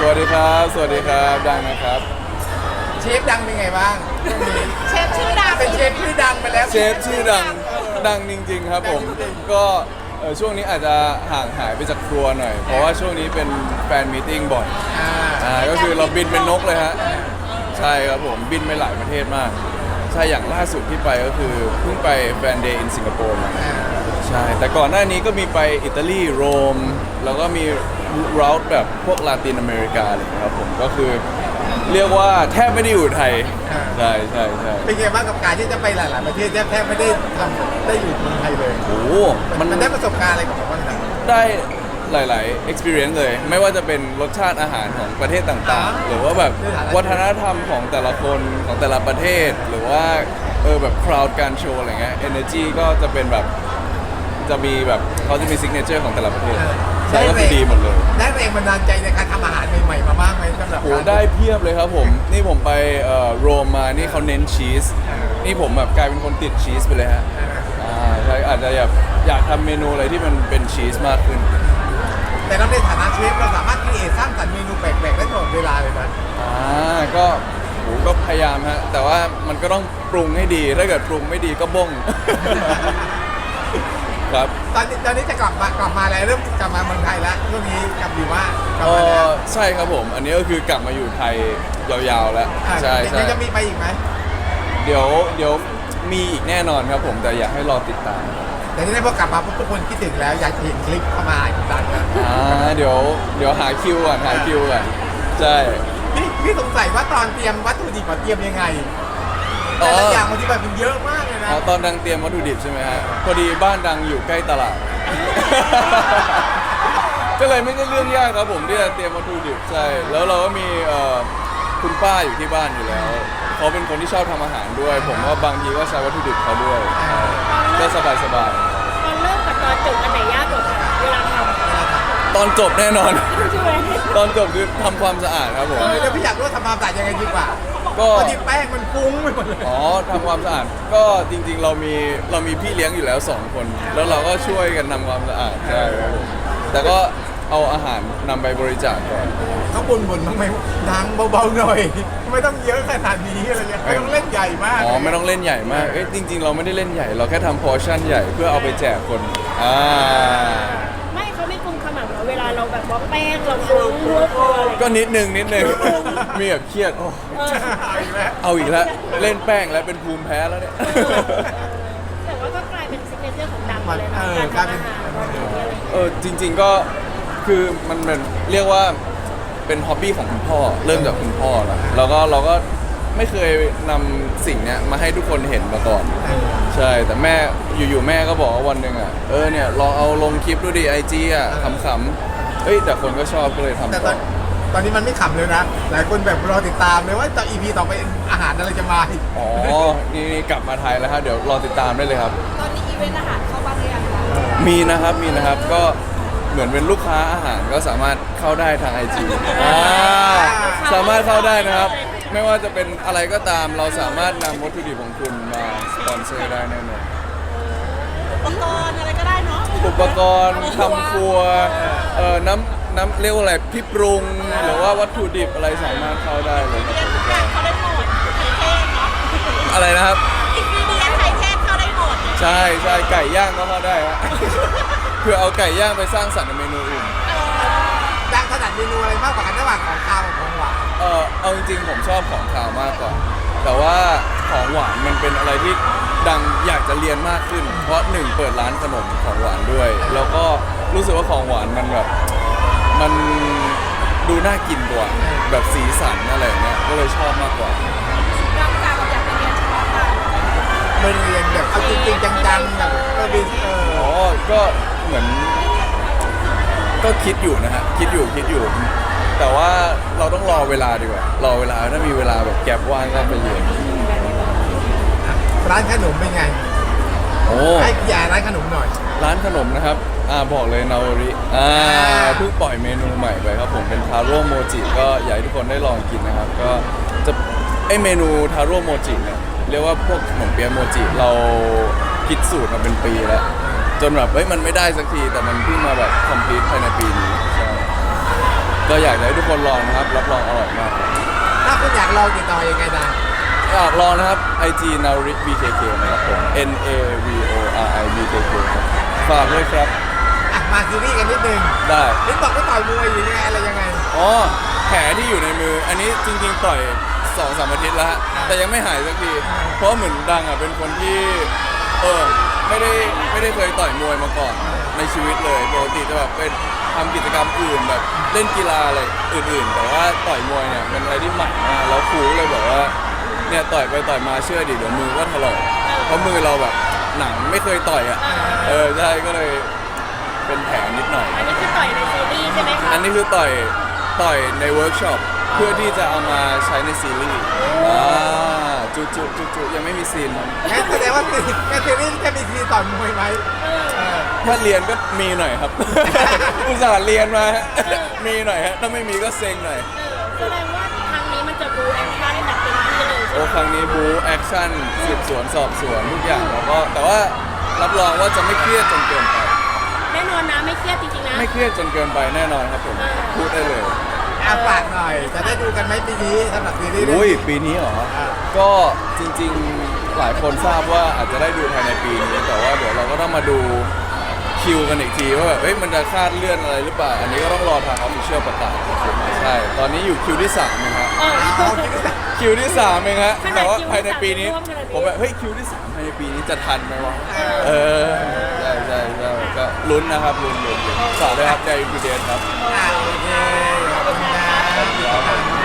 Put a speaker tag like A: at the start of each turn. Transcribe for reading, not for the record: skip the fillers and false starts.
A: วัสดีครับสวัสดีครับดังนะครับ
B: เชฟดังเป็นไงบ้างช่วงนี้
C: เชฟชื่อดัง
B: เป็นเชฟชื่อดังไปแล้ว
A: เชฟชื่อดังจริงๆครับผมก็ช่วงนี้อาจจะห่างหายไปจากครัวหน่อยเพราะว่าช่วงนี้เป็นแฟนมีตติ้งบ่อยก็คือเราบินเป็นนกเลยฮะใช่ครับผมบินไปหลายประเทศมากใช่อย่างล่าสุดที่ไปก็คือเพิ่งไปแฟนเดย์อินสิงคโปร์มาใช่แต่ก่อนหน้านี้ก็มีไปอิตาลีโรมแล้วก็มีรูทแบบพวกลาตินอเมริกาอะไรอย่างเงี้ยครับผมก็คือเรียกว่าแทบไม่ได้อยู่ไทยใช่
B: เป็นไงบ้างกับการที่จะไปหลายๆประเทศแทบไม่ได้ทำได้อยู่เมืองไทยเลย
A: โอ้
B: มันได้ประสบการณ์อะไรกับมันบ้างครับ
A: ได้หลายๆ experience เลยไม่ว่าจะเป็นรสชาติอาหารของประเทศต่างๆหรือว่าแบบวัฒนธรรมของแต่ละคนของแต่ละประเทศหรือว่าแบบ crowd การโชว์อะไรเงี้ย energy ก็จะเป็นแบบจะมีแบบเขาจะมี signature ของแต่ละประเทศใช่ก็คือดีหมดเลย
B: ได้แรงบันดาลใจในการทำอาหารใหม่ๆมามากไหมสำหรับ
A: โหได้เพียบเลยครับผมนี่ผมไปโรมมานี่เขาเน้นชีสนี่ผมแบบกลายเป็นคนติดชีสไปเลยฮะใช่อาจจะอยากทำเมนูอะไรที่มันเป็นชีสมากขึ้น
B: แต่เราในฐานะเชฟเราสามารถคิดสร้างสรรค์เมนูแปลกๆได้ตลอดเวลาเลยนะ
A: ก็พยายามฮะแต่ว่ามันก็ต้องปรุงให้ดีถ้าเกิดปรุงไม่ดีก็บ้งครับ
B: ตอนนี้จะกลับมาแล้วเริ่มกลับมาเมืองไทยแล้วช่วงนี้กลับอยู่ว่ากลับมาแล้ว
A: ใช่ครับผมอันนี้ก็คือกลับมาอยู่ไทยยาวๆแล้วใช่
B: ยังจะมีไปอีกไหม
A: เดี๋ยวมีอีกแน่นอนครับผมแต่อยากให้รอติดตาม
B: แต่ที่ได้พอกลับมาทุกคนคิดถึงแล้วอยากเห็นคลิปเข้ามาอีกดังนะ
A: เดี๋ยวหาคิวก่อนใช่
B: พี่สงสัยว่าตอนเตรียมวัตถุดิบเตรียมยังไงแต่ละอย่างมันที่แบบมันเยอะมากเลยนะ
A: ตอนดังเตรียมวัตถุดิบใช่ไหมฮะพอดีบ้านดังอยู่ใกล้ตลาดก็เลยไม่ใช่เรื่องยากครับผมที่จะเตรียมวัตถุดิบใช่แล้วเราก็มีคุณป้าอยู่ที่บ้านอยู่แล้วเขาเป็นคนที่ชอบทำอาหารด้วยผมว่าบางทีก็ใช้วัตถุดิบเขาด้วยก็สบาย
C: ตอนเริ่มกับตอนจบอันไหนยากกว่ากันเวลาท
A: ำตอนจบแน่นอนตอนจบคือทำความสะอาดครับผม
B: เดี๋ยวพี่อยากรู้ทำความสะอาดยังไงดีกว่าก็ที่แป้งมันฟุ้งไปหมดเลย
A: ทำความสะอาดก็จริงๆเรามีพี่เลี้ยงอยู่แล้ว2คนแล้วเราก็ช่วยกันทำความสะอาดใช่ครับผมแต่ก็เอาอาหารนำไปบริจาคก่อน
B: เขาบ่นบ้างไหมดังเบาๆหน่อยไม่ต้องเยอะขนาดนี้อะไรเงี้ยไม่ต้องเล่นใหญ่มาก
A: ไม่ต้องเล่นใหญ่มากจริงๆเราไม่ได้เล่นใหญ่เราแค่ทำพอร์ชั่นใหญ่เพื่อเอาไปแจกคน
C: ไม่เขาไม่กุมขมับเราเวลาเราแบบว่าแป้งเราฟุ้งรั่วอะไร
A: ก็นิดนึงมีแบบเครียดเอาอีกแล้วเล่นแป้งแล้วเป็นภูมิแพ้แล้วเนี่ย
C: แต่ว่าก็กลายเป็นซิกเนเจอร์ของดังเลยนะการทำอาหาร
A: จริงๆก็คือมันเป็นเรียกว่าเป็นฮ็อบบี้ของคุณพ่อเริ่มจากคุณพ่อแล้วเราก็ไม่เคยนำสิ่งเนี้ยมาให้ทุกคนเห็นมาก่อนใช่แต่แม่อยู่ๆแม่ก็บอกว่าวันหนึ่งเนี่ยลองเอาลงคลิปดูดิIGขำๆแต่คนก็ชอบก็เลยทำ
B: แต่ตอนนี้มันไม่ขำเลยนะหลายคนแบบรอติดตามเลยว่าต่อ EP ต่อไปอาหารอะไรจะมาอีก
A: นี่กลับมาไทยแล้วครับเดี๋ยวรอติดตามได้เลยครับ
C: ตอนนี้อีเวนต์อาหารเข้าบ้างหรือยัง
A: มีนะครับก็เหมือนเป็นลูกค้าอาหารก็สามารถเข้าได้ทาง IG สามารถเข้าได้นะครับไม่ว่าจะเป็นอะไรก็ตามเราสามารถนำวัตถุดิบของคุณมาสปอนเซอร์ได้แน่นอน
C: อุปกรณ์อะไรก็ได้เนาะ
A: อุปกรณ์ทำครัวน้ำเรียกว่าอะไรพี่ปรุงหรือว่าวัตถุดิบอะไรสามารถเข้าได้เลยครับ
C: เขาได้หมดไทยเทศเนาะ
A: อะไรนะครับ
C: อินกิเดียนไทยเทศเข้าได้หมด
A: ใช่ไก่ย่างก็เข้าได้ฮะเพื่อเอาไก่ย่างไปสร้างสรรค์ในเมนูอื่น
B: ดังถนัดเมนูอะไรมากกว่ากันระหว่างของคาวกับของหวาน
A: เอาจริงๆผมชอบของคาวมากกว่าแต่ว่าของหวานมันเป็นอะไรที่ดังอยากจะเรียนมากขึ้นเพราะ1เปิดร้านขนมของหวานด้วยแล้วก็รู้สึกว่าของหวานมันแบบมันดูน่ากินกว่าแบบสีสันอะไรเงี้ยก็เลยชอบมากกว่า
C: ดังจากอยากไปเรียนเฉพาะทาง
B: ไม่เรียนแบบเอาจริงๆจังๆแบบ
A: ก็เหมือนก็คิดอยู่นะฮะคิดอยู่แต่ว่าเราต้องรอเวลาดีกว่ารอเวลาถ้ามีเวลาแบบแก็บว่างก็ไปเรียน
B: ร้านขนมเป็นไงให้ยาร้านขนมหน่อย
A: ร้านขนมนะครับบอกเลยนาวริเพิ่งปล่อยเมนูใหม่ไปครับผมเป็นทาโร่โมจิก็อยากให้ทุกคนได้ลองกินนะครับก็จะเมนูทาโร่โมจิเนี่ยเรียกว่าพวกขนมเปี๊ยะโมจิเราคิดสูตรมาเป็นปีแล้วจนแบบมันไม่ได้สักทีแต่มันเพิ่งมาแบบคอมพลีทภายในปีนี้ใช่ก็อยากให้ทุกคนลองนะครับรับรองอร่อยมาก
B: ถ้าคุณอยากลองติดต่อยังไงนะ
A: อยากลองนะครับ IG Nauric BKK นะครับผม NAVORI BKK ครับฝากด้วยครับ
B: อ่ะมาซีรีส์กันนิดนึง
A: ได้
B: นี่บอกไม่ต่อยมวยอยู่ยังไงอะไรยังไง
A: อ๋อแผลที่อยู่ในมือ อันนี้จริงๆต่อย 2-3 อาทิตย์แล้วฮะแต่ยังไม่หายสักที เพราะเหมือนดังอ่ะเป็นคนที่ไม่ได้เคยต่อยมวยมาก่อนในชีวิตเลยปกติจะแบบเป็นทำกิจกรรมอื่นแบบเล่นกีฬาอะไรอื่นๆ แต่ว่าต่อยมวยเนี่ยเป็นอะไรที่ใหม่มากแล้วครูก็เลยบอกว่าเนี่ยต่อยไปต่อยมาเชื่อดิเดี๋ยวมือก็ถลอกเพราะมือเราแบบหนังไม่เคยต่อยอ่ะใช่ก็เลยเป็นแผลนิดหน่อย
C: อันนี้คือต่อยในซีรีส์ใช่ไหมคะ
A: อันนี้คือต่อยในเวิร์กช็อปเพื่อที่จะเอามาใช้ในซีรีส์จุยังไม่มีซีนครับ
B: งั้นแสดงว่าในซีรีส์จะมีซีนต่อยมวยไหม
A: ถ้าเรียนก็มีหน่อยครับ อุตส่าห์เรียนมามีหน่อยฮะถ้าไม่มีก็เซ็งหน่อย
C: แสดงว่าครั้งนี้มันจะบูแอคชั่นได้แบบเต็มที่เลย
A: โอ้ครั้งนี้บูแอคชั่นสืบสวนสอบสวนทุกอย่างแล้วก็แต่ว่ารับรองว่าจะไม่เครียดจนเกินไป
C: แน่นอนนะไม่เครียดจริงๆนะ
A: ไม่เครียดจนเกินไปแน่นอนครับผมพูดได้เลย
B: อ่ะฝากหน่อย จะได้ดูกันไหมปีนี้สำหรับซีรีส์เรื่อง
A: อุ้ย
B: นี้
A: ปีนี้เหรอ ก็จริงๆหลายคนทราบว่าอาจจะได้ดูภายในปีนี้ แต่ว่าเดี๋ยวเราก็ต้องมาดูคิวกันอีกทีว่าแบบเฮ้ยมันจะคาดเลื่อนอะไรหรือเปล่า อันนี้ก็ต้องรอทางออฟฟิเชียลประกาศใช่ ตอนนี้อยู่คิวที่3นะฮะ
B: เอาคิดดูสิ
A: คิวที่3เองฮะ
C: ขนาด
A: แต่ว่า
C: คิวที่
A: ภายในปีนี้
C: 3ร่วมขนาดนี้
A: ผมแบบเฮ้ยคิวที่3ภายในปีนี้จะทันไหมวะใช่ก็ลุ้นนะครับลุ้นฝากด้วยครับใจพีเดนครับ
B: โอเค ขอบคุณครับ